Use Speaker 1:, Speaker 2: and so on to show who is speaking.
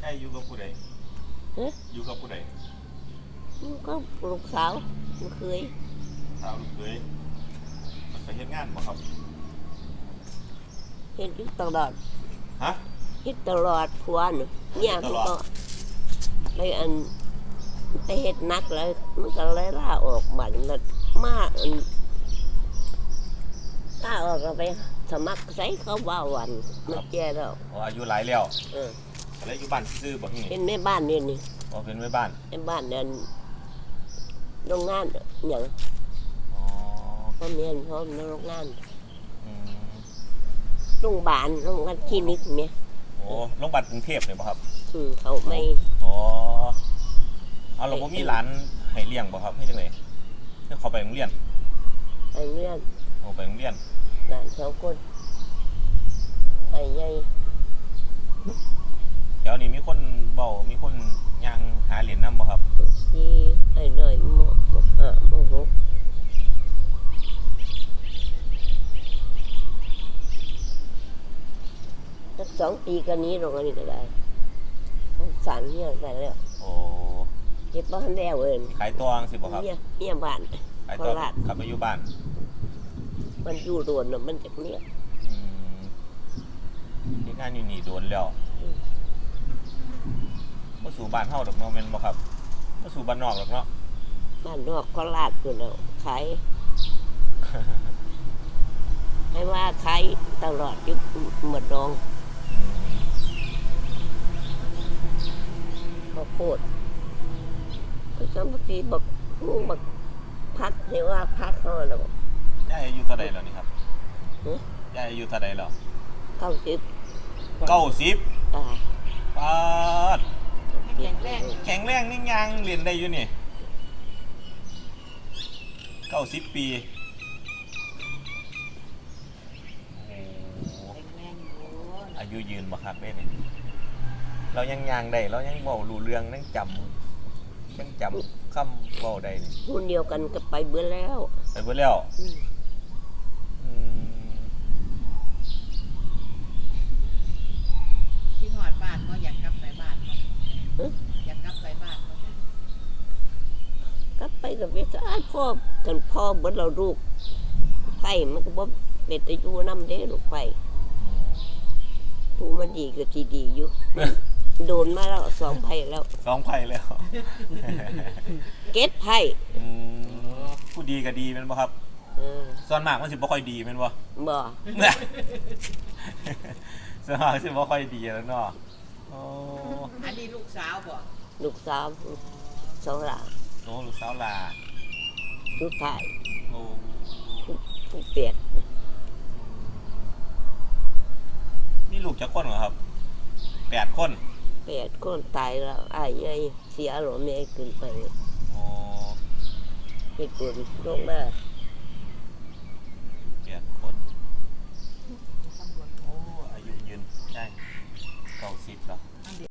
Speaker 1: ายอยู่กับผู้ใดอยู่กับผู้ใด
Speaker 2: ก็ลูกสาวลูกเคย
Speaker 1: สาวลูกเคยมันไปเฮ็ดงานบ่ครับ
Speaker 2: เฮ็ดอยู่ตลอด
Speaker 1: ฮะ
Speaker 2: เฮ็ดตลอดผัวน่ะเนี่ยมันก็ไปอันไปเฮ็ดนักแล้วมันก็เลยลาออกบัดนั้นมาอันลาออกก็ไปสมัครใส่เขาว่าวันมันแก่แล้ว
Speaker 1: อายุหลายแล้วแล้วอยู่บ้านซื่อบ่นี่
Speaker 2: เป็นแม่บ้านนี่
Speaker 1: เป็นแม่บ้าน
Speaker 2: แม่บ้านนั่นโรงงานหยังพ่อแม่พ่อในโรงงานโรงพยาบาลโรงพยาบาลคลินิกเนี่ย
Speaker 1: โรงพยาบาลกรุงเทพเลยป่ะครับ
Speaker 2: เขาไม่
Speaker 1: เอาเราบ่มีหลานให้เลี้ยงบ่ครับให้จังได๋เพื่อเขาไปโรงเรียน
Speaker 2: ไปโรงเรียน
Speaker 1: ไปโรงเรียน
Speaker 2: หลาน2 คนไอ้ใหญ่
Speaker 1: เดี๋ยวนี้มีคนเว้ามีคนย่างหาเหรียญนำบ่ครับ
Speaker 2: ที่ไอ้น้อยม.5 ม.6สัก2 ปีกันนี้ลงอันนี้ก็ได้สารเนี่ยใส่แล้วเก็บบ้านแล้ว
Speaker 1: ขายตัวสิบ่ครับ
Speaker 2: เนี่ยบ้าน
Speaker 1: ขายตัวกลับไปอยู่บ้าน
Speaker 2: มันอยู่โดนมันจากเนี่ย
Speaker 1: ที่งานอยู่นี่โดนแล้วมาสู่บ้านเฮาดอกเนาะแม่นบ่ครับมาสู่บ้านนอกดอกเนาะ
Speaker 2: บ้านนอกก็ลาดอยู่แล้วขายให้ว่าขายตลอดอยู่หมดดองข้าวโพดก็สมัยบักงูบักพักเรียกว่าพักเขาแล้ว
Speaker 1: ยายอายุเท่าใดแล้วนี่ครับยายอายุเท่าใดแล้ว90ปาดแข็งแรงนี่ยังเรียนได้อยู่นี่90 ปีอายุยืนบ่ครับนี่เรายังยางได้เรายังเว้ารู้เรื่องยังจำคำเว้าได้นี่
Speaker 2: คนเดียวกันก็ไปเบิดแล้ว
Speaker 3: ที่หอดบ้านก็อยากกลับไปบ้านอยากกลับไปบ้าน
Speaker 2: กลับไปกับเวสอ้ายพ่อกันพ่อเบิดเราลูกไผ่มันก็บ่เป็นตะอยู่นำเด้ลูกไผ่ผู้มันดีก็สิดีอยู่โดนมาแล้ว2 ไผ่แล้ว
Speaker 1: 2 ไผ่แล้ว
Speaker 2: เก็ดไผ่
Speaker 1: ผู้ดีก็ดีแม่นบ่ครับส่วนมากมันสิบ่ค่อยดีแม่นบ่ส่วนมากสิบ่ค่อยดีแล้วเนาะ
Speaker 3: อันนี้ลูกสาวบ่
Speaker 2: ลูกสาว2 หลาน
Speaker 1: ลูกสาวหลา
Speaker 2: ลูกชายผู้เปียก
Speaker 1: มีลูกจักคนเหรอครับ8 คน
Speaker 2: ตายแล้วอ้ายใหญ่เสียหรอแม่ขึ้นไปเฮ็ดบุญลงมา
Speaker 1: 8 คนอายุยืนได้90แล้ว